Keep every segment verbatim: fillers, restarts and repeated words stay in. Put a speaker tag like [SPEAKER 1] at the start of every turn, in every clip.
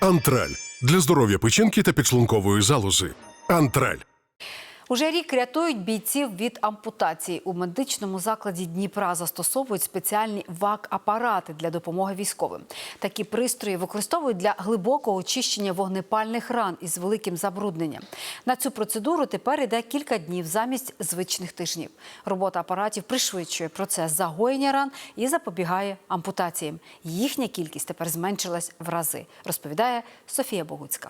[SPEAKER 1] Антраль. Для здоров'я печінки та підшлункової залози. Антраль.
[SPEAKER 2] Уже рік рятують бійців від ампутації. У медичному закладі Дніпра застосовують спеціальні ВАК-апарати для допомоги військовим. Такі пристрої використовують для глибокого очищення вогнепальних ран із великим забрудненням. На цю процедуру тепер йде кілька днів замість звичних тижнів. Робота апаратів пришвидшує процес загоєння ран і запобігає ампутаціям. Їхня кількість тепер зменшилась в рази, розповідає Софія Богуцька.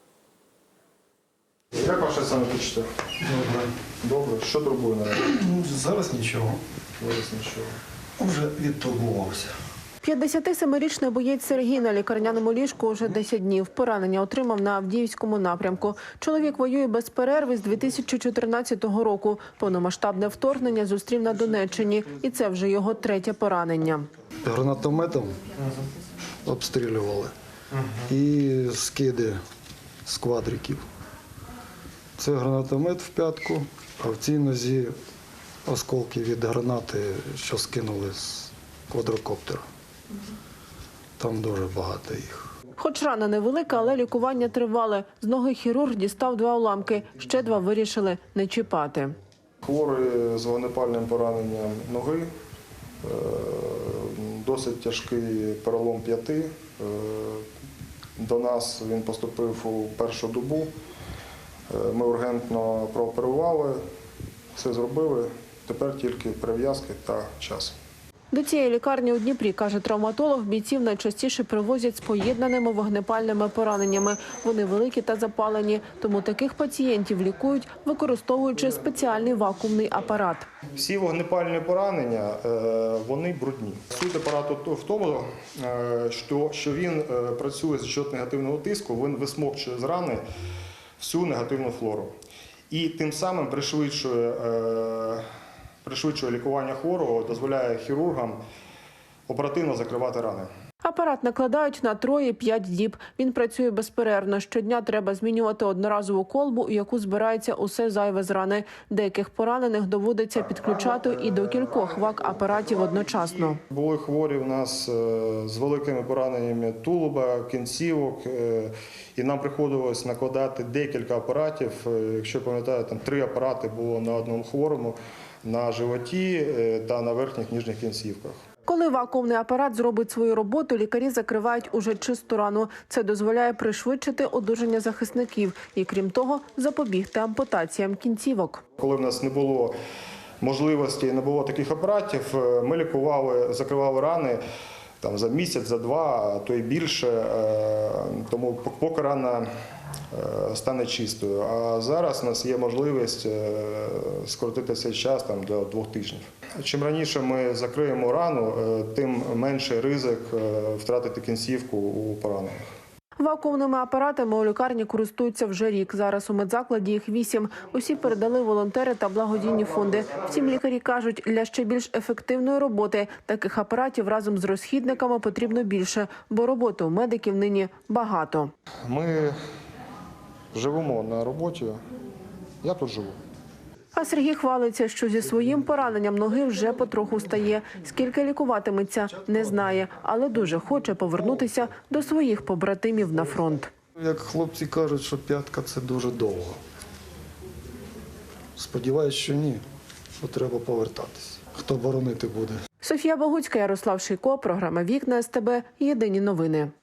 [SPEAKER 3] Як ваше самопочуття?
[SPEAKER 4] Добре.
[SPEAKER 3] Добре. Що турбує наразі?
[SPEAKER 4] Ну, зараз нічого.
[SPEAKER 3] Зараз нічого.
[SPEAKER 4] Вже відтурбувався.
[SPEAKER 5] п'ятдесятисемирічний боєць Сергій на лікарняному ліжку вже десять днів. Поранення отримав на Авдіївському напрямку. Чоловік воює без перерви з дві тисячі чотирнадцятого року. Повномасштабне вторгнення зустрів на Донеччині. І це вже його третє поранення.
[SPEAKER 4] Гранатометом обстрілювали. І скиди з квадриків. Це гранатомет в п'ятку, а в цій нозі осколки від гранати, що скинули з квадрокоптера. Там дуже багато їх.
[SPEAKER 5] Хоч рана невелика, але лікування тривале. З ноги хірург дістав два уламки, ще два вирішили не чіпати.
[SPEAKER 3] Хворий з вогнепальним пораненням ноги, досить тяжкий перелом п'яти. До нас він поступив у першу добу. Ми ургентно прооперували, все зробили, тепер тільки перев'язки та час.
[SPEAKER 5] До цієї лікарні у Дніпрі, каже травматолог, бійців найчастіше привозять з поєднаними вогнепальними пораненнями. Вони великі та запалені, тому таких пацієнтів лікують, використовуючи спеціальний вакуумний апарат.
[SPEAKER 3] Всі вогнепальні поранення, вони брудні. Суть апарату в тому, що він працює за счет негативного тиску, він висмокчує з рани всю негативну флору. І тим самим пришвидшує, е, пришвидшує лікування хворого, дозволяє хірургам оперативно закривати рани.
[SPEAKER 5] Апарат накладають на троє-п'ять діб. Він працює безперервно. Щодня треба змінювати одноразову колбу, у яку збирається усе зайве з рани. Деяких поранених доводиться підключати і до кількох ВАК-апаратів одночасно.
[SPEAKER 3] Були хворі у нас з великими пораненнями тулуба, кінцівок, і нам приходилось накладати декілька апаратів. Якщо пам'ятаєте, там три апарати було на одному хворому, на животі та на верхніх ніжніх кінцівках.
[SPEAKER 5] Коли вакуумний апарат зробить свою роботу, лікарі закривають уже чисту рану. Це дозволяє пришвидшити одужання захисників і, крім того, запобігти ампутаціям кінцівок.
[SPEAKER 3] Коли в нас не було можливості, не було таких апаратів, ми лікували, закривали рани там, за місяць, за два, а то й більше, тому поки рана стане чистою. А зараз у нас є можливість скоротити цей час там, до двох тижнів. Чим раніше ми закриємо рану, тим менший ризик втратити кінцівку у поранених.
[SPEAKER 5] Вакуумними апаратами у лікарні користуються вже рік. Зараз у медзакладі їх вісім. Усі передали волонтери та благодійні фонди. Втім, лікарі кажуть, для ще більш ефективної роботи таких апаратів разом з розхідниками потрібно більше, бо роботи у медиків нині багато.
[SPEAKER 3] Ми живемо на роботі, я тут живу.
[SPEAKER 5] А Сергій хвалиться, що зі своїм пораненням ноги вже потроху стає. Скільки лікуватиметься, не знає, але дуже хоче повернутися до своїх побратимів на фронт.
[SPEAKER 4] Як хлопці кажуть, що п'ятка – це дуже довго. Сподіваюсь, що ні, бо треба повертатися. Хто боронити буде?
[SPEAKER 5] Софія Богуцька, Ярослав Шийко, програма «Вікна СТБ», єдині новини.